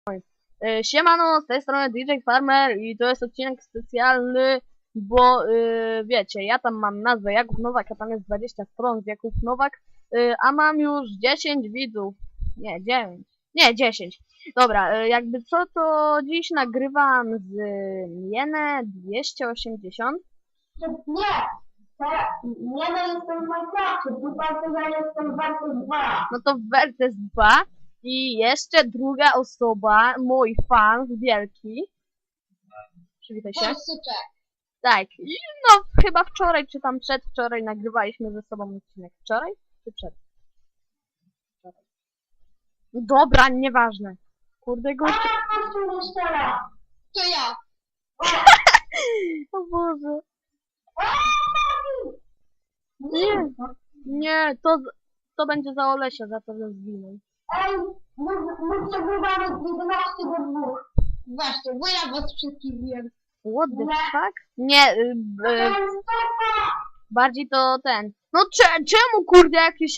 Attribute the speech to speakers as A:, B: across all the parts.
A: Siemano, z tej strony DJ Farmer i to jest odcinek specjalny, bo wiecie, ja tam mam nazwę Jakub Nowak, a tam jest 20 stron z Jakub Nowak, a mam już 10 widzów, nie 9, nie 10. Dobra, jakby co, to dziś nagrywam z Jenę 280.
B: Nie, nie, no jestem w Minecrafcie, tylko to ja jestem w Versus 2.
A: No to Versus 2 i jeszcze druga osoba, mój fan wielki. Przywitaj się.
B: Polsyczek.
A: Tak, i no chyba wczoraj, czy tam przedwczoraj nagrywaliśmy ze sobą odcinek. Wczoraj? Czy przed? Wczoraj. No dobra, nieważne. Kurde gościu.
B: Kościół jeszcze raz. To ja.
A: O Boże.
B: Nie.
A: Nie, to będzie za Olesia, za to, że zginął.
B: Ej, my przegrywamy 11 do 2. Właśnie, bo ja was wszystkich wiem.
A: What the fuck? Nie, bardziej to ten. No czemu kurde jakiś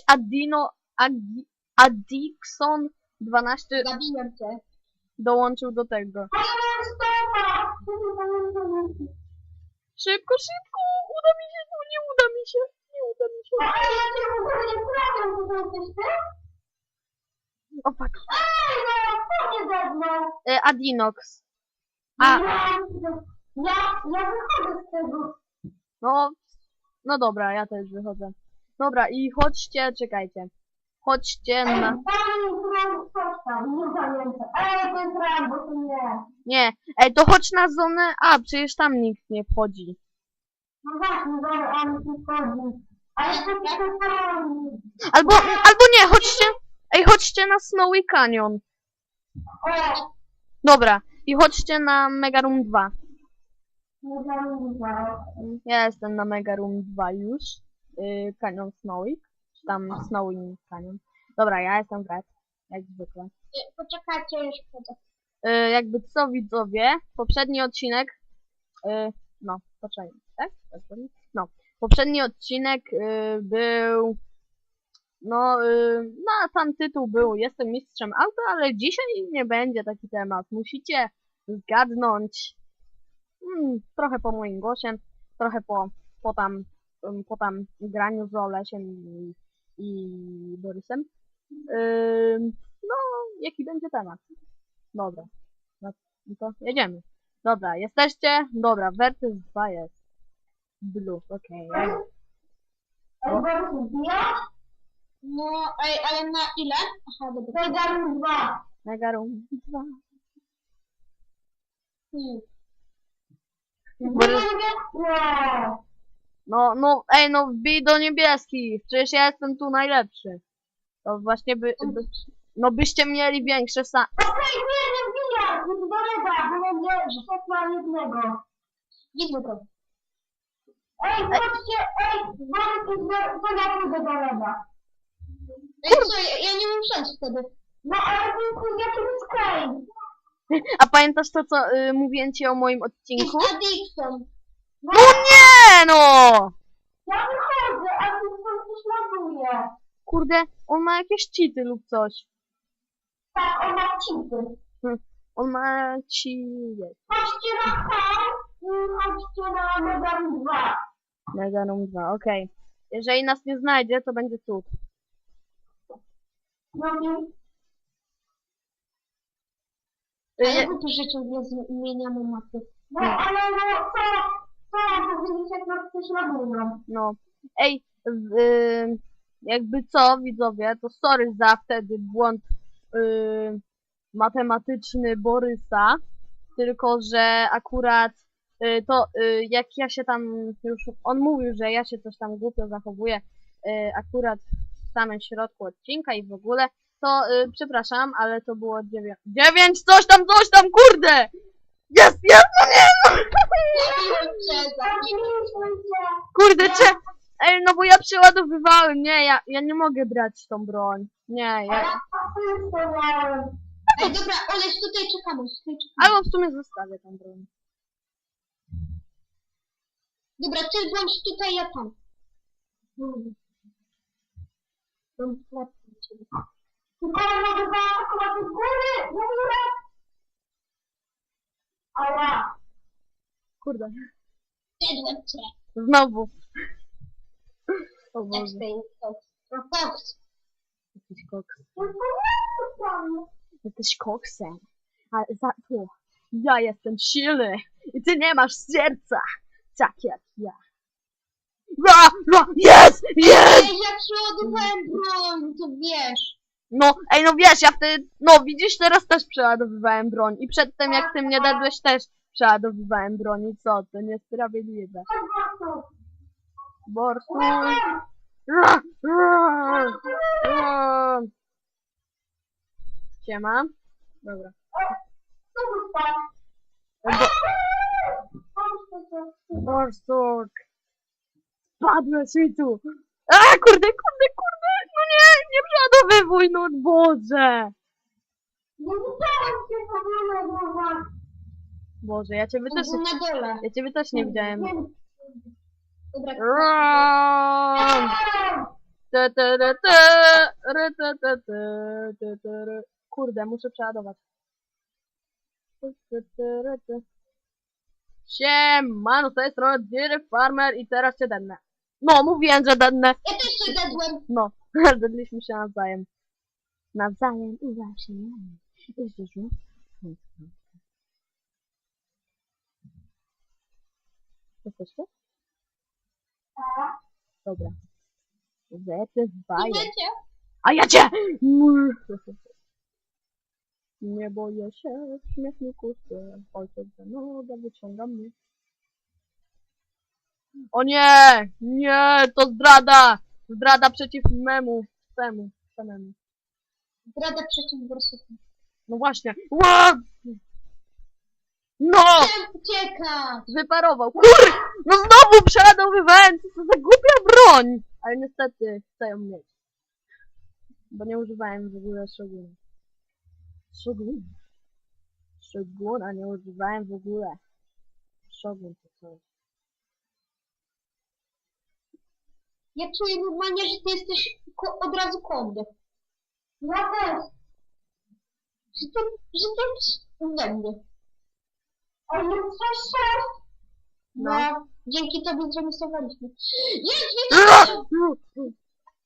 A: Adixon 12
B: Zabiję cię.
A: dołączył do tego? Szybko, szybko! Uda mi się, no nie uda mi się. Nie uda mi się.
B: Ej, ja cię w ogóle nie prawiam, to jesteś ty?
A: O fuck.
B: Ej, no, co nie ze mną?
A: Adinox. A,
B: Ja wychodzę z tego.
A: no dobra, ja też wychodzę. Dobra, i chodźcie, czekajcie. Chodźcie na...
B: Nie pamiętam. Ej, to jest Rambo, to nie.
A: Nie, ej, to chodź na zonę A, przecież tam nikt nie wchodzi.
B: No właśnie, dobra, ale tu wchodzi. A jeszcze
A: Albo nie, chodźcie, ej, chodźcie na Snowy Canyon.
B: O,
A: Dobra, i chodźcie na Mega Room 2.
B: nie zamówiłam.
A: Ja jestem na Mega Room 2 już. Canyon Snowy. Czy tam Snowy Canyon. Dobra, ja jestem Red. Jak zwykle.
B: Poczekajcie, już wchodzę.
A: Jakby co widzowie, poprzedni odcinek, no, poczekaj, tak? No, poprzedni odcinek był, no, sam tytuł był Jestem mistrzem auta, ale dzisiaj nie będzie taki temat. Musicie zgadnąć, trochę po moim głosie, trochę po tam graniu z Olesiem i Borysem. No, jaki będzie temat? Dobra, no to jedziemy. Dobra, jesteście? Dobra, Versus 2 jest. Blue, okej.
B: Ej, Borys, wbijasz? No, ej, ale na ile? Aha, dobra. Mega 2.
A: Mega Room 2. Borys,
B: Nie.
A: no, ej, no wbij do niebieskich. Przecież ja jestem tu najlepszy. To właśnie no byście mieli większe
B: Okej, nie wbijaj! Nie dolega, bo mnie szepnął jednego. Widzę to. Ej, chodźcie, Borys, to ja pójdę do leba. Ej, co, ja nie mam szans wtedy. No, ale to jest jakiś skraj.
A: A pamiętasz to, co mówiłem ci o moim odcinku?
B: Jest Adixon.
A: No nie, no!
B: Ja wychodzę, a ty coś ładuje.
A: Kurde, on ma jakieś cheaty lub coś.
B: Tak, on ma cheaty.
A: On ma
B: Chodźcie na tam i chodźcie na Mega 2.
A: Mega Room 2, okej. Jeżeli nas nie znajdzie, to będzie cud.
B: No i... Ale to życie nie zmieniamy mapy. No, ale no, co powiedzieć, jak nas coś ładują?
A: No. Ej, jakby co, widzowie, to sorry za wtedy błąd matematyczny Borysa, tylko że akurat jak ja się tam już, on mówił, że ja się coś tam głupio zachowuję akurat w samym środku odcinka i w ogóle, to przepraszam, ale to było 9, coś tam, kurde! Jest, no nie, no! Kurde, ej, no bo ja przeładowywałem, nie, ja nie mogę brać tą broń. Nie, ja...
B: Ej, dobra, Oleś, tutaj czekamy.
A: Albo w sumie zostawię tą broń.
B: Dobra, ty bądź tutaj, ja tam. Mam chleb dla ciebie. Chyba mogę zaatakować z góry,
A: Kurde.
B: Zjadłem cię.
A: Znowu. O
B: Jak
A: Boże.
B: ty to koks.
A: Jesteś koks. Jesteś koksem. Ale za to ja jestem silny. I ty nie masz serca. Tak jak ja. Ra, ra, jest! Jest!
B: Ej, jak przeładowałem broń, to wiesz.
A: No, ej, no wiesz, ja wtedy, no widzisz, teraz też przeładowywałem broń. I przedtem, jak ty mnie dadłeś, też przeładowywałem broń. I co? To niesprawiedliwe. Borsuj. Ra, ra, ra. Siema. Dobra. Borsuk. Spadłeś mi tu. A, kurde, kurde, kurde. No nie, nie przeładowywuj, no Boże. Boże, ja ciebie też,
B: Na dole.
A: ja ciebie też nie widziałem.
B: Dobra.
A: Ram. Te, te, te, te, re, te, te, te, te, te, re. Kurde, muszę przeładować. Te, te, te, re, te. Siemano, z tej strony Dairy Farmer i teraz cię dednę. No, mówiłem, że dednę.
B: Ja też się dadłem.
A: No, dedliśmy się nawzajem. Nawzajem i właśnie. Jeździsz, jesteście? Dobra. Zepywaję.
B: Idziecie?
A: A ja cię! Nie boję się w śmietniku, ojciec za nogę wyciąga mnie. O nie! Nie! To zdrada! Zdrada przeciw memu. Samemu.
B: Zdrada przeciw borsukom.
A: No właśnie. Ła! No!
B: Ucieka!
A: Wyparował. Kur! No znowu przeładowywałem! Co to za głupia broń! Ale niestety chcę ją mieć. Bo nie używałem w ogóle Shoguna. Shoguna nie używałem w ogóle. Shogun to coś.
B: Ja czuję normalnie, że ty jesteś od razu kądy. Ja też. Że ty we mnie. Ale coś. No. Dzięki tobie zremisowaliśmy. Jest, wiecie!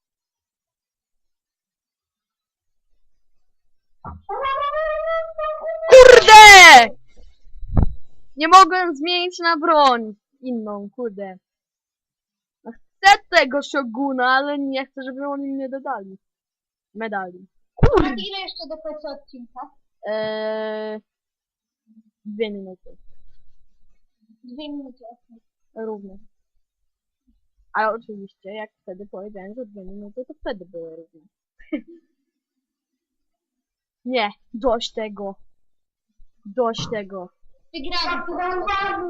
A: Kurde! Nie mogłem zmienić na broń inną, kurde. No chcę tego Shoguna, ale nie chcę, żeby oni mnie dodali. Medali.
B: A ile jeszcze do końca odcinka?
A: 2 minuty.
B: 2 minuty.
A: Równe. Ale oczywiście, jak wtedy powiedziałem, że 2 minuty, to wtedy było równe. Nie, dość tego. Dość tego.
B: Wygrałem.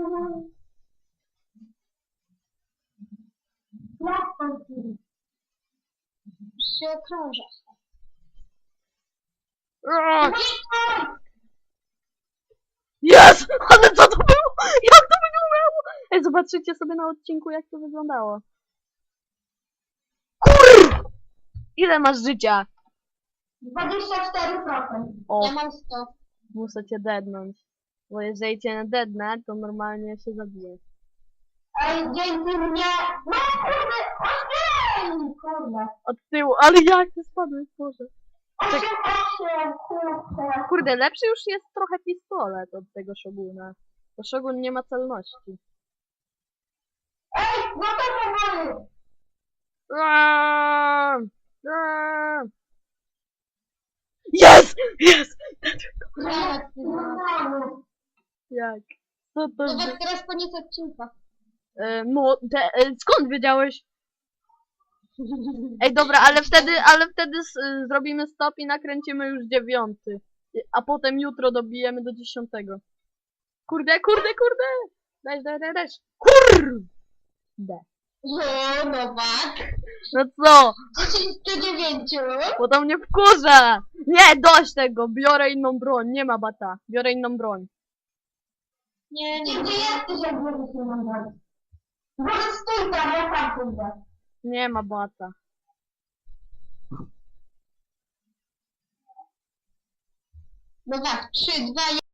B: Się okrąża.
A: Jest! Ale co to było? Jak to wyglądało? Ej, zobaczycie sobie na odcinku, jak to wyglądało. Kur! Ile masz życia?
B: 24%.
A: O,
B: Ja mam 100.
A: muszę cię deadnąć. Bo jeżeli cię nie deadnę, to normalnie się zabiję.
B: Ej, dzięki mnie. No kurde, 8! Kurde.
A: Od tyłu, ale jak ty spadłeś, Boże.
B: 8, kurde.
A: Kurde, lepszy już jest trochę pistolet od tego Shoguna. Bo Shogun nie ma celności.
B: Ej, no to powoli.
A: Jest! Jest! Jak? Co to
B: Zobacz,
A: za...
B: teraz koniec odcinka.
A: No, skąd wiedziałeś? Ej, dobra, ale wtedy zrobimy stop i nakręcimy już 9. A potem jutro dobijemy do 10. Kurde, kurde, kurde! Daj. Kurde!
B: O, Nowak.
A: No co?
B: 10 do 9.
A: Bo to mnie wkurza! Nie, dość tego! Biorę inną broń, nie ma bata. Biorę inną broń.
B: Nie. Gdzie jesteś, jak będziesz się nam. Może stój tam, ja tam pójdę.
A: Nie ma bata.
B: Nowak, 3, 2, 1.